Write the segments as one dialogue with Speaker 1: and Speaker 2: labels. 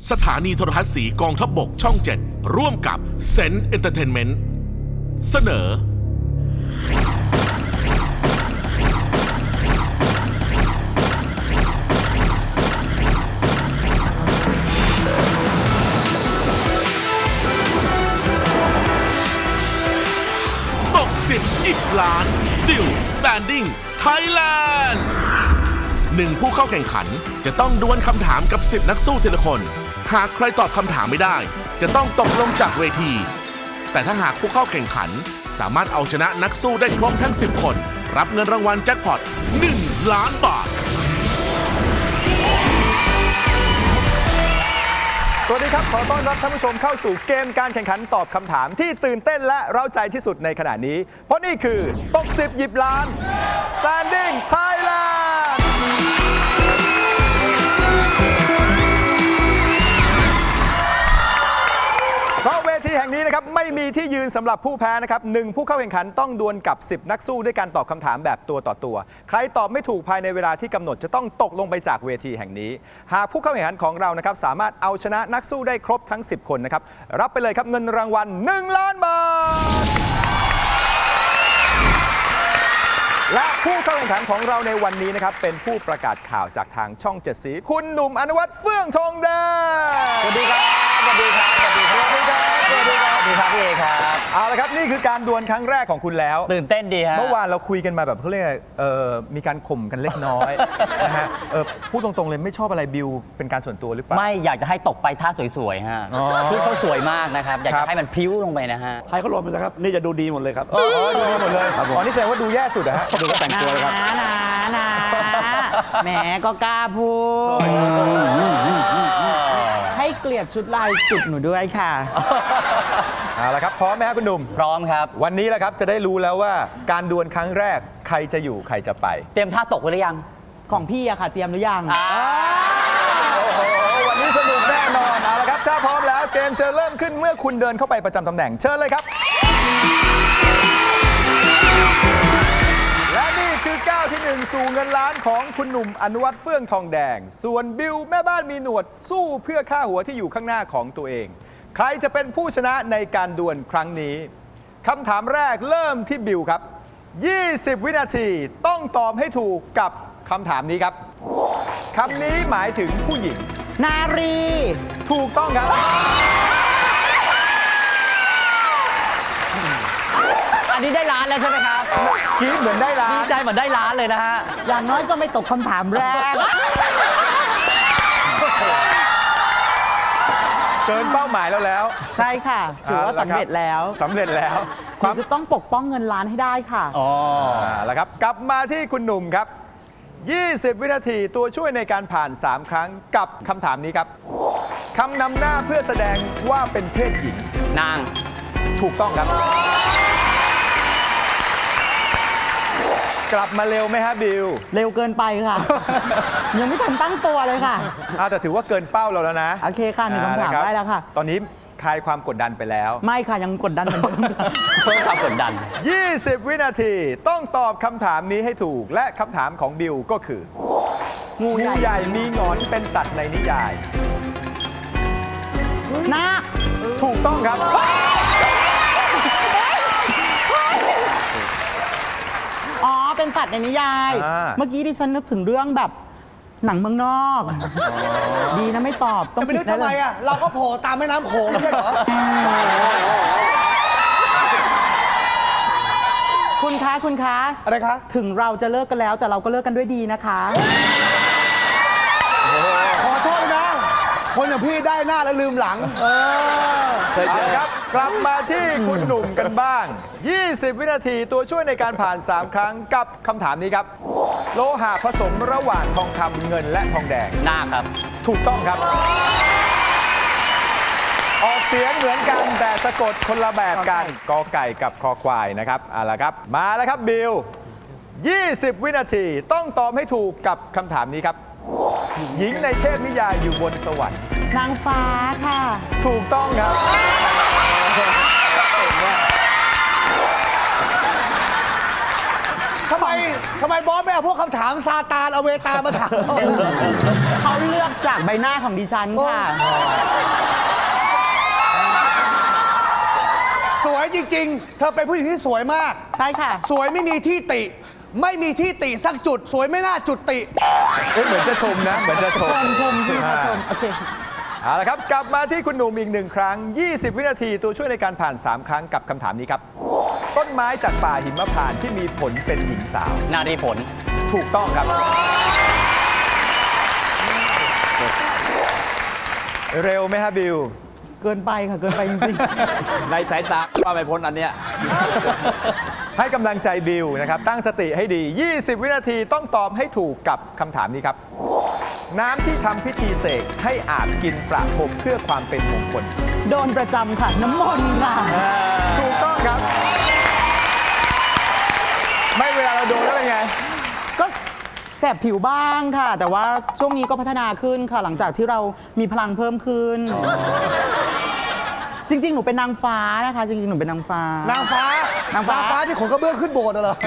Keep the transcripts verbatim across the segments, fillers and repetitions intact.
Speaker 1: สถานีโทรทัศน์สีกองทัพบกช่องเจ็ดร่วมกับเซนเอนเตอร์เทนเมนต์เสนอตกสิบหยิบล้าน Still Standing Thailand หนึ่งผู้เข้าแข่งขันจะต้องดวลคำถามกับสิบนักสู้ทีละคนหากใครตอบคำถามไม่ได้จะต้องตกลงจากเวทีแต่ถ้าหากผู้เข้าแข่งขันสามารถเอาชนะนักสู้ได้ครบทั้งสิบคนรับเงินรางวัลแจ็คพอตหนึ่งล้านบาท
Speaker 2: สวัสดีครับขอต้อนรับท่านผู้ชมเข้าสู่เกมการแข่งขันตอบคำถามที่ตื่นเต้นและเร้าใจที่สุดในขณะนี้เพราะนี่คือตกสิบหยิบล้าน Standing Thailandเพราะเวทีแห่งนี้นะครับไม่มีที่ยืนสำหรับผู้แพ้นะครับหนึ่งผู้เข้าแข่งขันต้องดวลกับสิบนักสู้ด้วยการตอบคำถามแบบตัวต่อตัวใครตอบไม่ถูกภายในเวลาที่กำหนดจะต้องตกลงไปจากเวทีแห่งนี้หากผู้เข้าแข่งขันของเรานะครับสามารถเอาชนะนักสู้ได้ครบทั้งสิบคนนะครับรับไปเลยครับเงินรางวัลหนึ่งล้านบาทและผู้เข้าแข่งขันของเราในวันนี้นะครับเป็นผู้ประกาศข่าวจากทางช่องเจ็ดสีคุณหนุ่มอนุวัฒน์เฟื่องทองแดงสวัสดีครับสวัสดีครับสวัสดีครับสวัสดีครับสวัสดีครับสวัสดีครับพี่เอครับเอาละครับนี่คือการดวลครั้งแรกของคุณแล้ว
Speaker 3: ตื่นเต้นดีฮะ
Speaker 2: เมื่อวานเราคุยกันมาแบบเขาเรียกเอ่อมีการข่มกันเล็กน้อยนะฮะเออพูดตรงๆเลยไม่ชอบอะไรบิวเป็นการส่วนตัวหรือเปล่า
Speaker 3: ไม่อยากจะให้ตกไปท่าสวยๆฮะชุดเขาสวยมากนะครับอยากจะให้มันพริ้วลงไปนะฮะ
Speaker 4: ให้เขาลงไปแล้วครับนี่จะดูดีหมดเลยครับ
Speaker 2: อ๋อดูดีหมดเลยอ๋อนี่แสดงว่าดูแย่สุดนะฮะ
Speaker 4: ดูก็แต่งตัวเลยครับ
Speaker 5: นะนะนะแหมก็กล้าพูดให้เกลียดชุดลายจุดหนูด้วยค่ะ
Speaker 2: เอาละครับพร้อมไหมครับคุณหนุ่ม
Speaker 3: พร้อมครับ
Speaker 2: วันนี้แหละครับจะได้รู้แล้วว่าการดวลครั้งแรกใครจะอยู่ใครจะไป
Speaker 3: เตรียมท่าตกไว้หรือยัง
Speaker 5: ของพี่อะค่ะเตรียมหรือยัง
Speaker 2: โอ้โหวันนี้สนุกแน่นอนเอาละครับถ้าพร้อมแล้วเกมจะเริ่มขึ้นเมื่อคุณเดินเข้าไปประจำตำแหน่งเชิญเลยครับและนี่คือก้าวที่หนึ่งสู่เงินล้านของคุณหนุ่มอนุวัฒน์เฟื่องทองแดงส่วนบิวแม่บ้านมีหนวดสู้เพื่อค่าหัวที่อยู่ข้างหน้าของตัวเองใครจะเป็นผู้ชนะในการดวลครั้งนี้คำถามแรกเริ่มที่บิวครับยี่สิบวินาทีต้องตอบให้ถูกกับคำถามนี้ครับคำนี้หมายถึงผู้หญิง
Speaker 5: นารี
Speaker 2: ถูกต้องครับ
Speaker 3: อันนี้ได้ล้านแล้วใช่ไหมครับ
Speaker 2: กีดเหมือนได้ล้าน
Speaker 3: ดีใจเหมือนได้ล้านเลยนะฮะ
Speaker 5: อย่างน้อยก็ไม่ตกคำถามแรก
Speaker 2: เกินเป้าหมายแล้วแล้ว
Speaker 5: ใช่ค่ะถือว่าสำเร็จแล้ว
Speaker 2: สำเร็จแล้ว
Speaker 5: ความจะต้องปกป้องเงินล้านให้ได้ค่ะ
Speaker 3: อ๋อ
Speaker 2: แล้วครับกลับมาที่คุณหนุ่มครับยี่สิบวินาทีตัวช่วยในการผ่านสามครั้งกับคำถามนี้ครับคำนำหน้าเพื่อแสดงว่าเป็นเพศหญิง
Speaker 3: นาง
Speaker 2: ถูกต้องครับกลับมาเร็วไหมฮะบิว
Speaker 5: เร็วเกินไปค่ะยังไม่ทันตั้งตัวเลยค่ะ
Speaker 2: แต่ถือว่าเกินเป้าเราแล้วนะ
Speaker 5: โอเคค่ะหนึ่งคำถามได้แล้วค่ะ
Speaker 2: ตอนนี้คลายความกดดันไปแล้ว
Speaker 5: ไม่ค่ะยังกดดันเหมือนเดิม
Speaker 3: เพิ่มความกดดัน
Speaker 2: ยี่สิบวินาทีต้องตอบคำถามนี้ให้ถูกและคำถามของบิวก็คืองูใหญ่มีหงอนเป็นสัตว์ในนิยาย
Speaker 5: นาค
Speaker 2: ถูกต้องครับ
Speaker 5: อ๋อเป็นสัตว์ในนิยายเมื่อกี้ดิฉันนึกถึงเรื่องแบบหนังเมืองนอกดีนะไม่ตอบ
Speaker 4: จะไปนึกทำไมอ่ะเราก็โผล่ตามแม่น้ำโขงใช่เหรอ
Speaker 5: คุณคะคุณคะ
Speaker 4: อะไรคะ
Speaker 5: ถึงเราจะเลิกกันแล้วแต่เราก็เลิกกันด้วยดีนะคะ
Speaker 4: ขอโทษนะคนอย่างพี่ได้หน้าแล้วลืมหลังเอ
Speaker 2: อครับกลับมาที่คุณหนุ่มกันบ้างยี่สิบวินาทีตัวช่วยในการผ่านสามครั้งกับคำถามนี้ครับโลหะผสมระหว่างทองคำเงินและทองแดง
Speaker 3: นาคครับ
Speaker 2: ถูกต้องครับออกเสียงเหมือนกันแต่สะกดคนละแบบกันกอไก่กับคอควายนะครับเอาละครับมาแล้วครับบิลยี่สิบวินาทีต้องตอบให้ถูกกับคำถามนี้ครับหญิงในเทพนิยายอยู่บนสวรรค์
Speaker 5: นางฟ้าค่ะ
Speaker 2: ถูกต้องครับ
Speaker 4: ทำไมทำไมบอสไม่เอาพวกคำถามซาตานเอาเวตามาถาม
Speaker 5: เขาเลือกจากใบหน้าของดิฉันค่ะ
Speaker 4: สวยจริง ๆ เธอเป็นผู้หญิงที่สวยมาก
Speaker 5: ใช่ค่ะ
Speaker 4: สวยไม่มีที่ติ ไม่มีที่ติสักจุด สวยไม่น่าจุดติ
Speaker 2: เอ๊ะเหมือนจะชมนะ เหมือนจะชม
Speaker 5: ชมชมใช่ไหมคะชม โอเค
Speaker 2: เอาละครับ กลับมาที่คุณหนุ่มอีกหนึ่งครั้ง ยี่สิบ วินาทีตัวช่วยในการผ่าน สาม ครั้งกับคำถามนี้ครับ ต้นไม้จากป่าหิมพานต์ที่มีผลเป็นหญิงสาว
Speaker 3: นารีผล
Speaker 2: ถูกต้องครับ เร็วไหมฮะบิว
Speaker 5: เกินไปค่ะ เกินไปจริง
Speaker 6: ในสายตาว่าไม่พ้นอันเนี้ย
Speaker 2: ให้กำลังใจบิวนะครับ ตั้งสติให้ดี ยี่สิบ วินาทีต้องตอบให้ถูกกับคำถามนี้ครับ น้ำที่ทำพิธีเสกให้อาบกินประพรมเพื่อความเป็นมงคล
Speaker 5: ๆ โดนประจำค่ะ น้ำมนต์ค่ะ
Speaker 2: ถูกต้องครับ ไม่เวลาเราโดนแล้วเป็นไง
Speaker 5: ก็แสบผิวบ้างค่ะ แต่ว่าช่วงนี้ก็พัฒนาขึ้นค่ะ หลังจากที่เรามีพลังเพิ่มขึ้น จริง ๆ หนูเป็นนางฟ้านะคะ จริง ๆ หนูเป็นนางฟ้า
Speaker 4: นางฟ้าน
Speaker 5: างฟ้า
Speaker 4: ฟ้าที่ขนกระเบื้องขึ้นโบสถ์น่ะเหรอ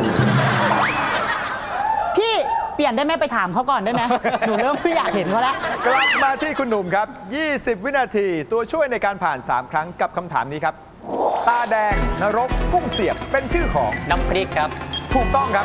Speaker 5: พี่เปลี่ยนได้ไหมไปถามเขาก่อนได้ไหม หนูเริ่มไม่อยากเห็นเขาแล้ว
Speaker 2: กลับมาที่คุณหนุ่มครับ ยี่สิบ วินาทีตัวช่วยในการผ่าน สาม ครั้งกับคำถามนี้ครับ ตาแดง นรก กุ้งเสียบเป็นชื่อของ
Speaker 3: น้ำพริกครับ
Speaker 2: ถูกต้องครับ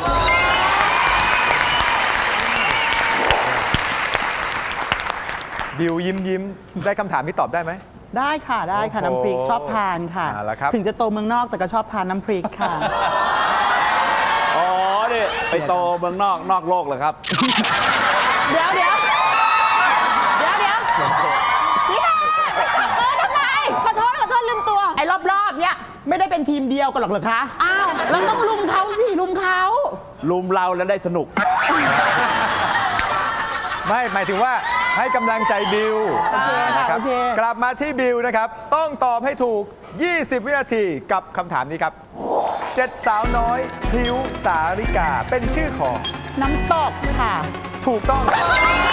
Speaker 2: บิวยิ้มยิ้มได้คำถามที่ตอบได้ไหม
Speaker 5: ได้ค่ะได้ค่ะ
Speaker 2: โอ้โห
Speaker 5: น้ำพริกชอบทานค่ะ
Speaker 2: เอาละครับ
Speaker 5: ถึงจะโตเมืองนอกแต่ก็ชอบทานน้ำพริกค่ะ
Speaker 6: อ๋อนี่ไปโตเมืองนอกนอกโลกเลยครับ
Speaker 5: เดี๋ยวเดี๋ยวเดี๋ยวเดี๋ยวพี่นาไปจับมือทำไม
Speaker 7: ขอโทษ ขอโทษ ลืมตัว
Speaker 5: ไอ้รอบๆเนี้ยไม่ได้เป็นทีมเดียวกันหรอกเหรอคะ
Speaker 7: อ้าว
Speaker 5: เราต้องลุมเขาสิลุมเขา
Speaker 6: ลุมเราแล้วได้สนุก
Speaker 2: ไม่หมายถึงว่าให้กำลังใจบิว
Speaker 5: โอเคค่ะ
Speaker 2: นะครั
Speaker 5: โอบ เค
Speaker 2: กลับมาที่บิวนะครับ ต้องตอบให้ถูก ยี่สิบ วินาทีกับคำถามนี้ครับเจ็ดสาวน้อยพริ้วสาริกาเป็นชื่อของ
Speaker 5: น้ำตกค่ะ
Speaker 2: ถูกต้องครับ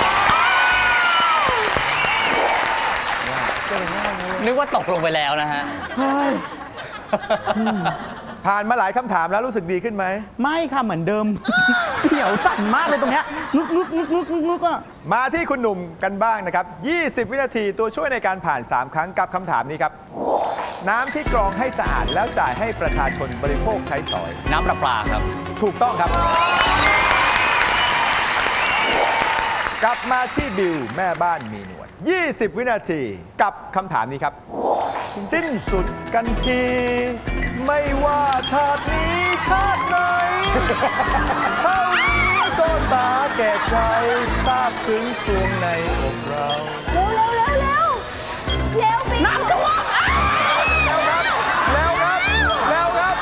Speaker 3: นึกว่าตกลงไปแล้วนะฮะ
Speaker 5: เฮ้ย
Speaker 2: ผ่านมาหลายคำถามแล้วรู้สึกดีขึ้นไหม
Speaker 5: ไม่ค่ะเหมือนเดิม เสียวสั่นมากเลยตรงเนี้ยงึกงึกงึกงึกงึกงึกอ่ะ
Speaker 2: มาที่คุณหนุ่มกันบ้างนะครับ ยี่สิบ วินาทีตัวช่วยในการผ่าน สาม ครั้งกับคำถามนี้ครับ น้ำที่กรองให้สะอาดแล้วจ่ายให้ประชาชนบริโภคใช้สอย
Speaker 3: น้ำประปาครับ
Speaker 2: ถูกต้องครับ กลับมาที่บิวแม่บ้านมีหนวด ยี่สิบ วินาทีกับคำถามนี้ครับ สิ้นสุดกันที ไม่ว่าชาตินี้ชาติไหน เท่านี้ก็สาแก่ใจซาบซึ้งสวงในอกเรา
Speaker 7: เร็วเร็วเร็วเร็วเร็วไป
Speaker 5: น้ำท่วมอ่ะ
Speaker 2: แล้วครับ แล้วครับ แล้วครับ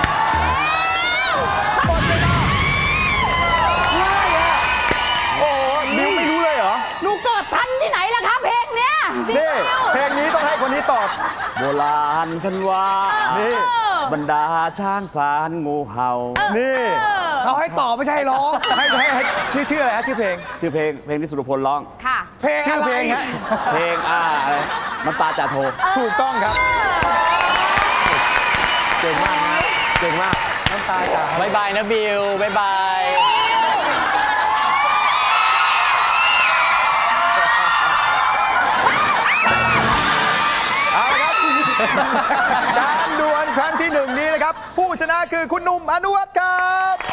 Speaker 2: หมดเวลาง่ายอ่ะ โอ้โหบิวไม่รู้เลยเหรอ
Speaker 5: หนูเกิดทันที่ไหนล่ะคะเพลงเนี้ย
Speaker 2: นี่ เพลงนี้ต้องให้คนนี้ตอบ
Speaker 6: โบราณท่านว่า
Speaker 2: นี่
Speaker 6: บรรดาช้างสารงูเห่า
Speaker 2: นี่
Speaker 4: เขาให้ตอบไม่ใช่ให้ร้อง
Speaker 2: ให้ให้ให้ชื่อชื่ออะไรฮะชื่อเพลง
Speaker 6: ชื่อเพลงเพลงที่สุรพลร้อง
Speaker 7: ค่ะ
Speaker 4: เพลง
Speaker 2: ชื่อ
Speaker 4: อะไร
Speaker 2: เพลงฮะ
Speaker 6: เพลงอ่าอะไรน้ำตาจ่าโท
Speaker 2: ถูกต้องครับ
Speaker 4: เก่งมากนะเก่งมาก น้ำตาจ่า
Speaker 3: บายบายนะบิวบายบาย
Speaker 2: เอาละครับ การดวลครั้งที่หนึ่งนี้นะครับ ผู้ชนะคือคุณหนุ่มอนุวัฒน์ครับ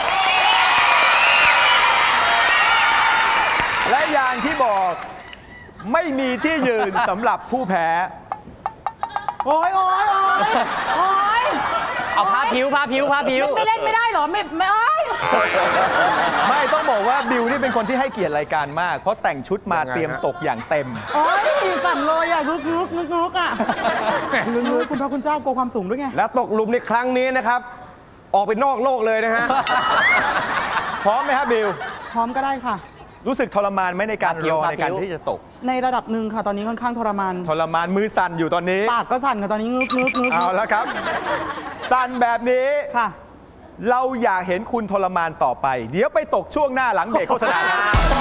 Speaker 2: และอย่างที่บอกไม่มีที่ยืนสำหรับผู้แพ้
Speaker 5: โอ้ยโอ้ยโอ้ยโอ้ย
Speaker 3: เอาผ้าผิวผ้าผิวผ้าผิว
Speaker 5: ไม่เล่นไม่ได้เหรอ ไม่ไม่โอ้ย
Speaker 2: ไม่ต้องบอกว่าบิวนี่เป็นคนที่ให้เกียรติรายการมาก เพราะแต่งชุดมาเตรียมตกอย่างเต็ม
Speaker 5: โอ้ยสั่นเลยอ่ะงึกงึกงึกงึกอ่ะงึกงึกคุณพระคุณเจ้ากลัวความสูงด้วยไง
Speaker 8: แล้วตกหลุมในครั้งนี้นะครับ ออกไปนอกโลกเลยนะฮะ
Speaker 2: พร้อมไหมครับบิว
Speaker 5: พร้อมก็ได้ค่ะ
Speaker 2: รู้สึกทรมานไหมในการรอในการที่จะตก
Speaker 5: ในระดับหนึ่งค่ะ ตอนนี้ค่อนข้างทรมาน
Speaker 2: ทรมานมือสั่นอยู่ตอนนี้
Speaker 5: ปากก็สั่นค่ะตอนนี้งึกงึกงึก
Speaker 2: เอาแล้วครับ สั่นแบบนี้
Speaker 5: ค่ะ
Speaker 2: เราอยากเห็นคุณทรมานต่อไป เดี๋ยวไปตกช่วงหน้าหลังเบรกโฆษณาครับ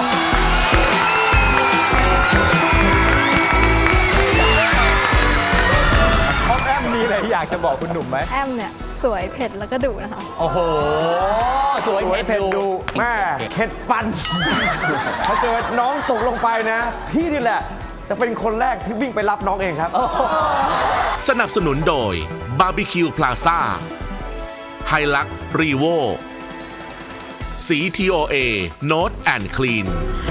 Speaker 2: พ่อแอมมีอะไรอยากจะบอกคุณหนุ่มไหม
Speaker 7: แอมเนี่ย สวยเผ็ดแล้วก็ดุนะคะ
Speaker 3: โอ้โหสวย
Speaker 2: สวย
Speaker 3: เผ็ด
Speaker 2: เผ็ดดุ
Speaker 3: ดุ
Speaker 8: แม่เข็ดฟัน ถ้าเกิดน้องตกลงไปนะ พี่นี่แหละ จะเป็นคนแรกที่วิ่งไปรับน้องเองครับ
Speaker 1: สนับสนุนโดยบาร์บีคิวพลาซ่าไฮลักรีโวสี ที โอ เอ Note and Clean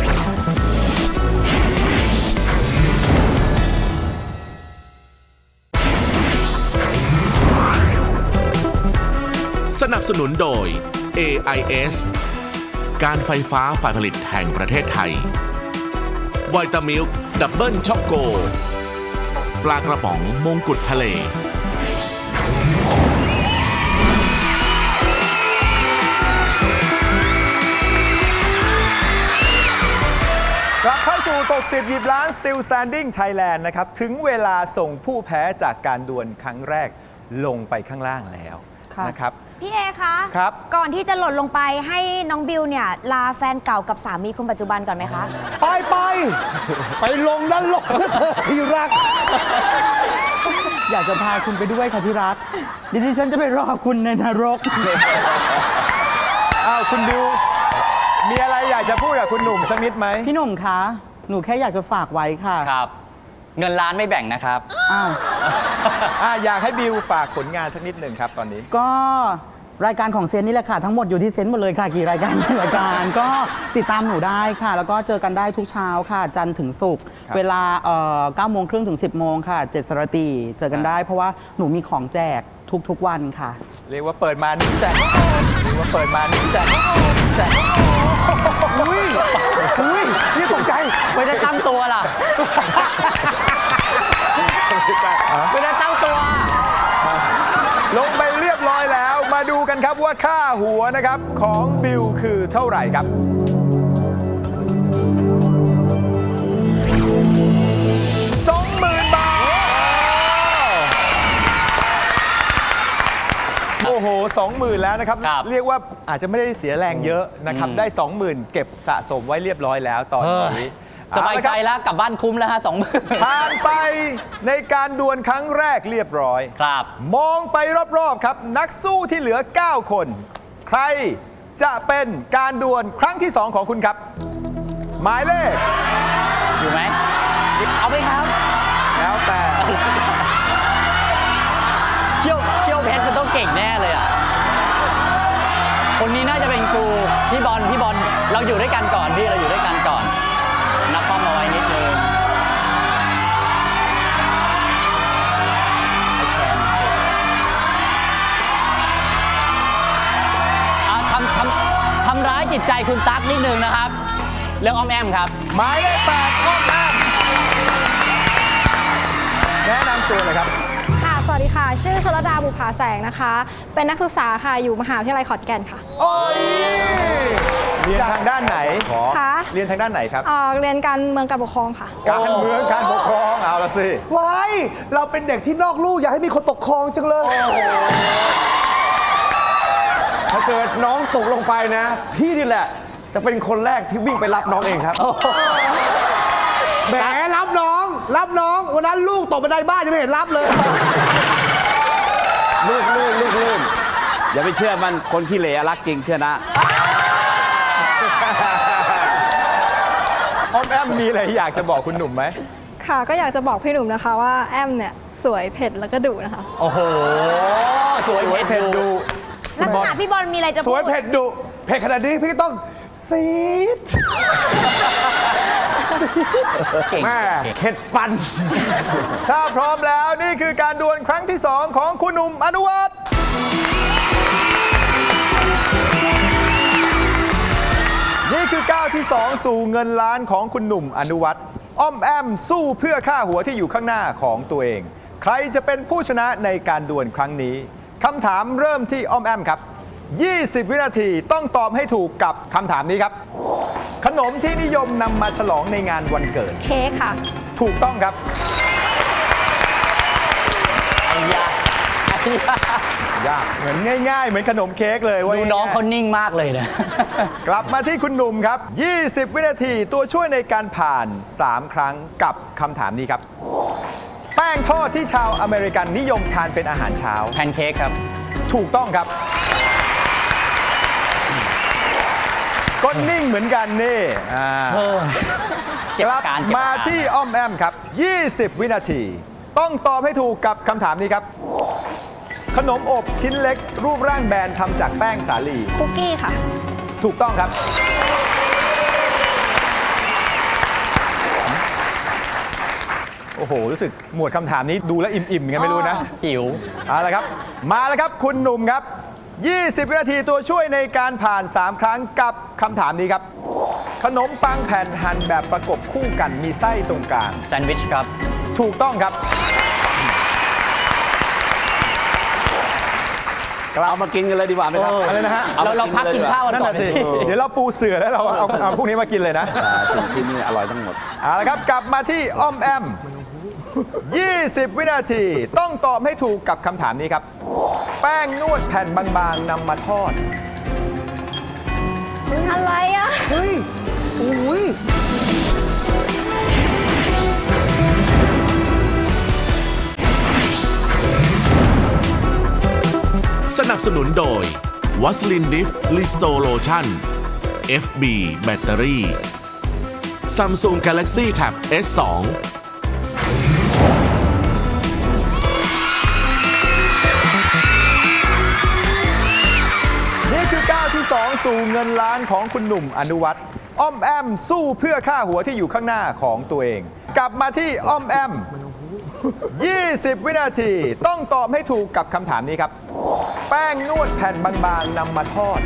Speaker 1: สนับสนุนโดย เอ ไอ เอส การไฟฟ้าฝ่ายผลิตแห่งประเทศไทยไวตามิลค์ดับเบิลช็อกโก ปลากระป๋องมงกุฎทะเล
Speaker 2: กลับเข้าสู่ตกสิบหยิบล้าน Still Standing Thailand นะครับ ถึงเวลาส่งผู้แพ้จากการดวลครั้งแรกลงไปข้างล่างแล้ว
Speaker 5: ค่ะ
Speaker 2: นะครับ
Speaker 7: พี่เอคะ
Speaker 2: ครับ
Speaker 7: ก่อนที่จะหล่นลงไปให้น้องบิวเนี่ยลาแฟนเก่ากับสามีคนปัจจุบันก่อนไหมคะ
Speaker 4: ไปไป ไปลงด้านลงซะเถอะที่รัก
Speaker 5: อยากจะพาคุณไปด้วยค่ะที่รักดิฉันจะไปรอคุณในนรก
Speaker 2: อ้าวคุณบิว มีอะไรอยากจะพูดกับคุณหนุ่มสักนิดไหม
Speaker 5: พี่หนุ่มคะ หนูแค่อยากจะฝากไว้ค่ะ
Speaker 3: ครับ เงินล้านไม่แบ่งนะครับ
Speaker 5: อ้าว
Speaker 2: อ่ะอยากให้บิวฝากผลงานสักนิดหนึ่งครับตอนนี้
Speaker 5: ก็รายการของเซนนี่แหละค่ะ ทั้งหมดอยู่ที่เซนหมดเลยค่ะ กี่รายการกี่รายการ ก็ติดตามหนูได้ค่ะ แล้วก็เจอกันได้ทุกเช้าค่ะ จันทร์ถึงศุกร์
Speaker 2: ครับ
Speaker 5: เวลาเอ่อเก้าโมงครึ่งถึงสิบโมงค่ะเจ็ดสรตีเจอกันได้ เพราะว่าหนูมีของแจกทุกๆวันค่ะ
Speaker 2: เรียกว่าเปิดมานี่แจกเรียกว่าเปิดมานี่แจกแจก
Speaker 4: อุ้ย อุ้ย นี่ตกใจ
Speaker 3: ไม่ได้ตั้งตัวล่ะ ไม่ได้ตั้งตัว
Speaker 2: ลงไปเรียบร้อยแล้ว มาดูกันครับว่าค่าหัวนะครับของบิวคือเท่าไหร่ครับ สองหมื่น บาท โอ้โห สองหมื่น แล้วนะครับ
Speaker 3: ครับ
Speaker 2: เรียกว่าอาจจะไม่ได้เสียแรงเยอะนะครับ ได้ สองหมื่น เก็บสะสมไว้เรียบร้อยแล้วตอนนี้
Speaker 3: สบายใจ
Speaker 2: เอละครับ
Speaker 3: แล้วกลับบ้านคุ้มแล้วฮะสองหมื่น
Speaker 2: ผ่านไปในการดวลครั้งแรกเรียบร้อย
Speaker 3: ครับ
Speaker 2: มองไปรอบๆครับ นักสู้ที่เหลือ เก้า คน ใครจะเป็นการดวลครั้งที่ สอง ของคุณครับ หมายเลข
Speaker 3: อยู่ไหม เอาไหมครับ
Speaker 2: แล้วแต่
Speaker 3: เชี่ยวเชี่ยวเพชรมันต้องเก่งแน่เลยอ่ะ คนนี้น่าจะเป็นครูพี่บอลพี่บอลเราอยู่ด้วยกันก่อนพี่เราอยู่ด้วยกันก่อนนักข้อมเอาไว้นิดนึงอ่ะทำทำทำร้ายจิตใจคุณตั๊กนิดนึงนะครับ เรื่องอ้อมแอมครับ
Speaker 2: หมายเลขแปดอ้อมแอมแนะนำตัวเลยครับ
Speaker 9: ค่ะ สวัสดีค่ะ ชื่อชลดาบุภาแสงนะคะ เป็นนักศึกษาค่ะ อยู่มหาวิทยาลัยขอนแก่นค่ะ
Speaker 2: โอ้ย เรียนทางด้านไหน
Speaker 9: ค่ะ
Speaker 2: เรียนทางด้านไหนครับ
Speaker 9: เอ่อเรียนการเมืองการปกครองค่ะ
Speaker 2: การเมืองการปกครองเอาละสิ
Speaker 4: ไว้ เราเป็นเด็กที่นอกลู่อยากให้มีคนปกครองจังเลย
Speaker 8: ถ้าเกิดน้องตกลงไปนะ พี่นี่แหละ จะเป็นคนแรกที่วิ่งไปรับน้องเองครับ
Speaker 4: แหมรับน้อง รับน้อง วันนั้นลูกตกบันไดบ้านยังไม่เห็นรับเลย
Speaker 6: ลื่นลื่นลื่นลื่นอย่าไปเชื่อมันคนขี้เหร่รักจริงเชื่อนะ
Speaker 2: อ้อมแอมมีอะไรอยากจะบอกคุณหนุ่มไหม
Speaker 9: ค่ะ ก็อยากจะบอกพี่หนุ่มนะคะว่าแอมเนี่ยสวยเผ็ดแล้วก็ดุนะคะ
Speaker 3: โอ้โห สวย
Speaker 2: สวย
Speaker 3: เพ
Speaker 2: เผ็
Speaker 3: ช
Speaker 2: ด
Speaker 3: ร
Speaker 2: ดู
Speaker 7: ลักษณะพี่บอลมีอะไรจะ
Speaker 4: ส
Speaker 7: พู
Speaker 4: วย
Speaker 7: ด
Speaker 4: เผ็ดดุ เผ็ดขนาดนี้พี่ต้องซีด
Speaker 3: เก่ง
Speaker 8: แม่เข็ดฟัน
Speaker 2: ถ้าพร้อมแล้วนี่คือการดวลครั้งที่ สอง ของคุณหนุ่มอนุวัฒน์นี่คือก้าวที่ สอง สู่เงินล้านของคุณหนุ่มอนุวัฒน์อ้อมแอมสู้เพื่อค่าหัวที่อยู่ข้างหน้าของตัวเอง ใครจะเป็นผู้ชนะในการดวลครั้งนี้คำถามเริ่มที่อ้อมแอมครับ ยี่สิบ วินาทีต้องตอบให้ถูกกับคำถามนี้ครับ ขนมที่นิยมนำมาฉลองในงานวันเกิด
Speaker 9: เค้กค่ะ
Speaker 2: ถูกต้องครับ
Speaker 3: ยาก
Speaker 2: ยากเหมือนง่าย ๆ เหมือนขนมเค้กเลยว่า
Speaker 3: ดูน้อง
Speaker 2: ง่ายๆ
Speaker 3: เขานิ่งมากเลยนะ
Speaker 2: กลับมาที่คุณหนุ่มครับ ยี่สิบ วินาทีตัวช่วยในการผ่าน สาม ครั้งกับคำถามนี้ครับ แป้งทอดที่ชาวอเมริกันนิยมทานเป็นอาหารเช้า
Speaker 3: แพนเค้กครับ
Speaker 2: ถูกต้องครับ
Speaker 3: ย
Speaker 2: ก็นิ่งเหมือนกันนี่อ่า
Speaker 3: เออเก็บ
Speaker 2: กลับ
Speaker 3: การเก็บ
Speaker 2: มา
Speaker 3: การ
Speaker 2: ที่อ้อมแอมครับ ยี่สิบ วินาที ต้องตอบให้ถูกกับคำถามนี้ครับ ขนมอบชิ้นเล็ก รูปร่างแบนทำจากแป้งสาลี
Speaker 9: คุกกี้ค่ะ
Speaker 2: ถูกต้องครับ โอ้โห รู้สึกหมวดคำถามนี้ดูแล้วอิ่มๆไงไม่รู้นะ
Speaker 3: หิว
Speaker 2: เอาละครับ มาแล้วครับคุณหนุ่มครับ ยี่สิบ วินาทีตัวช่วยในการผ่าน สาม ครั้งกับคำถามนี้ครับ ขนมปังแผ่นหั่นแบบประกบคู่กันมีไส้ตรงกลาง
Speaker 3: แซนด์วิชครับ
Speaker 2: ถูกต้องครับ
Speaker 6: เอามากินกันเลยดีกว่าไหมครับ
Speaker 3: เอออ
Speaker 2: อะไรนะฮะ
Speaker 3: เราเราพักกินข้าวกัน
Speaker 2: นั่น
Speaker 3: ก่อน
Speaker 2: น่ะสิ
Speaker 3: สิ
Speaker 2: เดี๋ยวเราปูเสือแล้วเราเอาเอาพวกนี้มากินเลยนะ
Speaker 6: ถึงชิ้นนี้อร่อยทั้งหมด
Speaker 2: เอาละครับ กลับมาที่อ้อมแอม ยี่สิบ วินาที ต้องตอบให้ถูกกับคำถามนี้ครับ แป้งนวดแผ่นบางๆนำมาทอด
Speaker 9: อะไรอ่ะ
Speaker 4: เฮ้ยอุ้ย
Speaker 1: สนับสนุนโดยวัสลินดิฟลิสโตโลชั่น เอฟ บี แบตเตอรี่ Samsung Galaxy Tab เอส ทู
Speaker 2: นี่คือก้าวที่ สอง สู่เงินล้านของคุณหนุ่มอนุวัฒน์อ้อมแอมสู้เพื่อค่าหัวที่อยู่ข้างหน้าของตัวเอง กลับมาที่อ้อมแอม ยี่สิบ วินาที ต้องตอบให้ถูกกับคำถามนี้ครับ แป้งนวดแผ่นบางๆนำมาทอด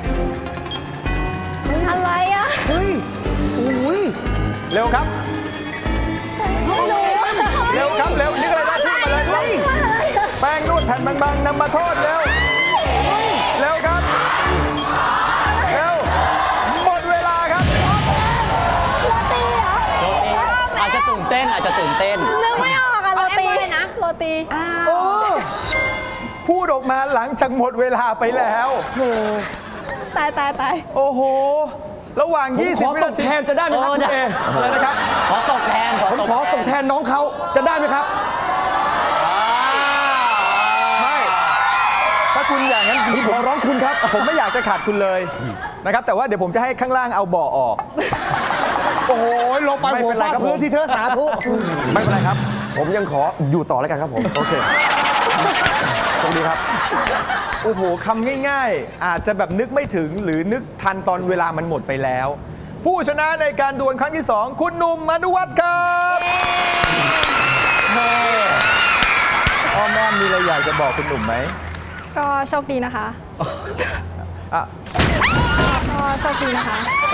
Speaker 9: อะไรอ่ะ
Speaker 4: เฮ้ยอุ้ย
Speaker 2: เร็วครับ
Speaker 9: ไม่รู้
Speaker 2: เร็วครับ เร็วนึกอะไรได้พูดมาเลยครับแป้งนวดแผ่นบางๆนำมาทอดเร็ว เร็วครับ เร็ว หมดเวลาครับ
Speaker 9: โรตีเหรอ
Speaker 3: อาจจะตื่นเต้นอาจจะตื่นเต้น
Speaker 9: นึกไม่ออกอะโรตี
Speaker 7: เอาแอปเปิ้ลเลยนะ
Speaker 9: โรตี
Speaker 2: โอ้ พูดออกมาหลังจากหมดเวลาไปแล้ว
Speaker 9: ตายตายตาย
Speaker 2: โอ้โห ระหว่าง
Speaker 8: ผม
Speaker 2: ยี่
Speaker 8: ข
Speaker 2: สิบ
Speaker 8: อ
Speaker 2: วิ
Speaker 8: ต
Speaker 2: นาก ที
Speaker 8: แทนจะได้ไหมครับ
Speaker 3: โอ้
Speaker 8: คุณ
Speaker 3: ได้
Speaker 8: เอ
Speaker 2: อะไรนะครับ
Speaker 3: ขอตกแทน ขอ
Speaker 8: ผม
Speaker 3: ตก
Speaker 8: ขอตกแทนน้องเขาจะได้ไหมครับ
Speaker 2: ไม่ ถ้าคุณอย่างนั้น
Speaker 8: ผมขอร้องคุณครับ
Speaker 2: ผมไม่อยากจะขาดคุณเลยนะครับ แต่ว่าเดี๋ยวผมจะให้ข้างล่างเอาเบาะออก
Speaker 4: โอ้โหลงไป
Speaker 2: ไม่
Speaker 4: หัว
Speaker 2: เป็นไร
Speaker 4: ฟาด
Speaker 2: ครับผม
Speaker 4: พื้นที่เธอสาธุ
Speaker 8: ไม่เป็นไรครับ ผมยังขออยู่ต่อแล้วกันครับผม
Speaker 2: โอเคโชคดีครับ โอ้โหคำง่ายๆ อาจจะแบบนึกไม่ถึงหรือนึกทันตอนเวลามันหมดไปแล้ว ผู้ชนะในการดวลครั้งที่ สอง คุณหนุ่มอนุวัฒน์ครับอ้อมแม่มีอะไรอยากจะบอกคุณหนุ่มไหม
Speaker 9: ก็โชคดีนะคะ
Speaker 2: อ่ะ
Speaker 9: ก็โชคดีนะคะ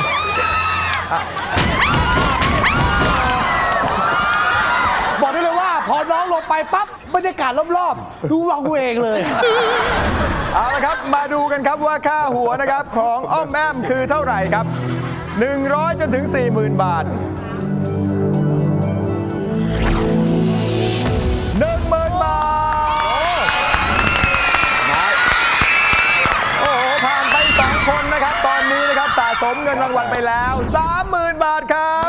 Speaker 4: บอกได้เลยว่า พอน้องลงไปปั๊บบรรยากาศรอบๆ ดูวังกูเองเลย
Speaker 2: เอาละครับ มาดูกันครับว่าค่าหัวนะครับของอ้อมแอมคือเท่าไหร่ครับ หนึ่งร้อย จนถึง สี่หมื่น บาท หนึ่งหมื่น บาท โอ้โห ผ่านไป สอง คนนะครับ ตอนนี้นะครับสะสมเงินรางวัลไปแล้ว สามหมื่น บาทครับ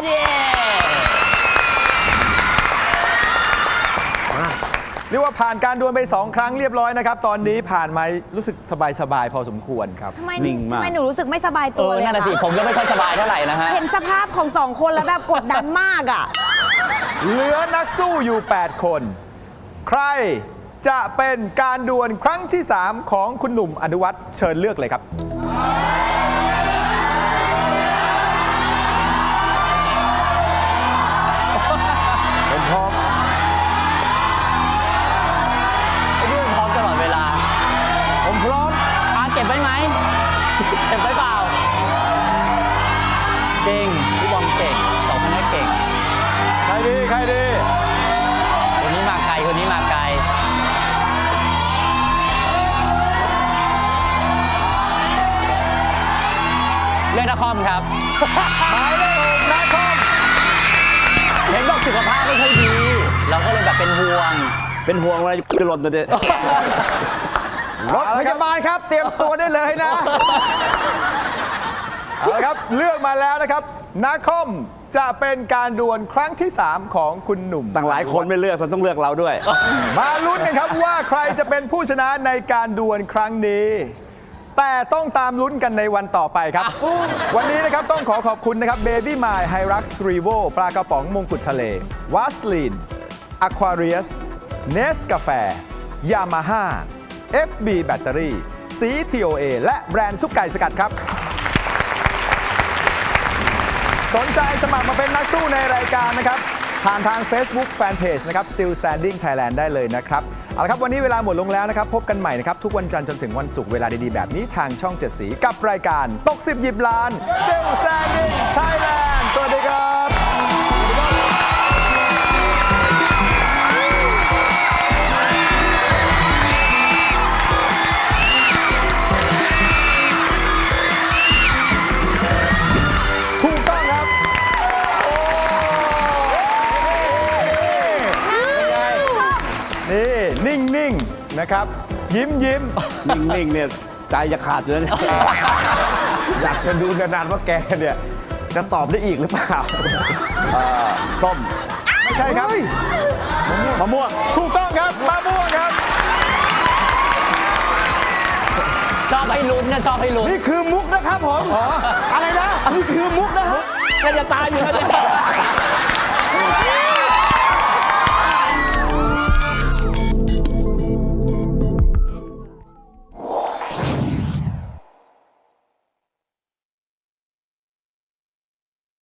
Speaker 2: เรียกว่าผ่านการดวลไป สอง ครั้งเรียบร้อยนะครับ ตอนนี้ผ่านมารู้สึกสบายๆพอสมควรครับ
Speaker 7: ทำไม
Speaker 6: นิ่งมาก
Speaker 7: ทำไมหนูรู้สึกไม่สบาย
Speaker 3: เอ
Speaker 7: ตัว
Speaker 3: อ
Speaker 7: เลย
Speaker 3: นั่น
Speaker 7: อะ
Speaker 3: แหะสิ ผมก็ไม่ค่อยสบายเท่าไหร่นะฮะ
Speaker 7: เห็นสภาพของสองคนแล้วแบบกดดันมากอ่ะ
Speaker 2: เหลือนักสู้อยู่ แปด คน ใครจะเป็นการดวลครั้งที่ สาม ของคุณหนุ่มอนุวัฒน์เชิญเลือกเลยครับ
Speaker 8: ผมพร้อม
Speaker 3: ไอ้พี่ผมพร้อมตลอดเวลา
Speaker 8: ผมพร้อม
Speaker 3: อาเก็บไว้ไหม เก็บไว้เปล่า เก่ง พี่บอลเก่งสองคนนี้เก่ง
Speaker 2: ใครดี ใครดี
Speaker 3: คนนี้มาไกล คนนี้มาไกล เรื่องนครครับ
Speaker 2: หมายเลขหกนาคอม
Speaker 3: เห็นบอกสุขภาพไม่ค่อยดี เราก็เลยแบบเป็นห่วง
Speaker 6: เป็นห่วงอะไรจะหล่นตัวเด็
Speaker 8: รถพยาบาลครับ เตรียมตัวได้เลยนะ
Speaker 2: เอาละครับ เลือกมาแล้วนะครับนาคอมจะเป็นการดวลครั้งที่ สาม ของคุณหนุ่ม
Speaker 6: ต่างหลายคนไม่เลือกเราต้องเลือกเราด้วย
Speaker 2: มาลุ้นกันครับว่าใครจะเป็นผู้ชนะในการดวลครั้งนี้แต่ต้องตามลุ้นกันในวันต่อไปครับ วันนี้นะครับต้องขอขอบคุณนะครับ Baby My Hyrax Revo ปลากระป๋องมงกุฎทะเล วาสลีน Aquarius เนสกาแฟ Yamaha เอฟ บี แบตเตอรี่ สี ที โอ เอ และแบรนด์ซุปไก่สกัดครับ สนใจสมัครมาเป็นนักสู้ในรายการนะครับผ่านทาง Facebook Fanpage นะครับ Still Standing Thailand ได้เลยนะครับเอาละครับวันนี้เวลาหมดลงแล้วนะครับพบกันใหม่นะครับทุกวันจันทร์จนถึงวันศุกร์เวลาดีๆแบบนี้ทางช่องเจ็ดสีกับรายการตกสิบหยิบล้าน Still Standing Thailand สวัสดีครับ ถูกต้องครับ นี่นิ่ง ๆ นะครับ ยิ้มยิ้ม
Speaker 6: นิ่งๆเนี่ยใจจะขาดอยู่แล้วเนี่ย
Speaker 8: อยากจะดูนานๆว่าแกเนี่ย จะตอบได้อีกหรือเปล่า
Speaker 6: ส้ม
Speaker 2: ไม่ใช่ครับ
Speaker 6: มะม่วง
Speaker 2: ถูกต้องครับมะม่วงครับ
Speaker 3: ชอบให้ลุ้นนะชอบให้ลุ้น
Speaker 8: นี่คือมุกนะครับผม อะไรนะ นี่คือมุกนะครับ
Speaker 6: ก็จะตายอยู่แล้วเนี่ย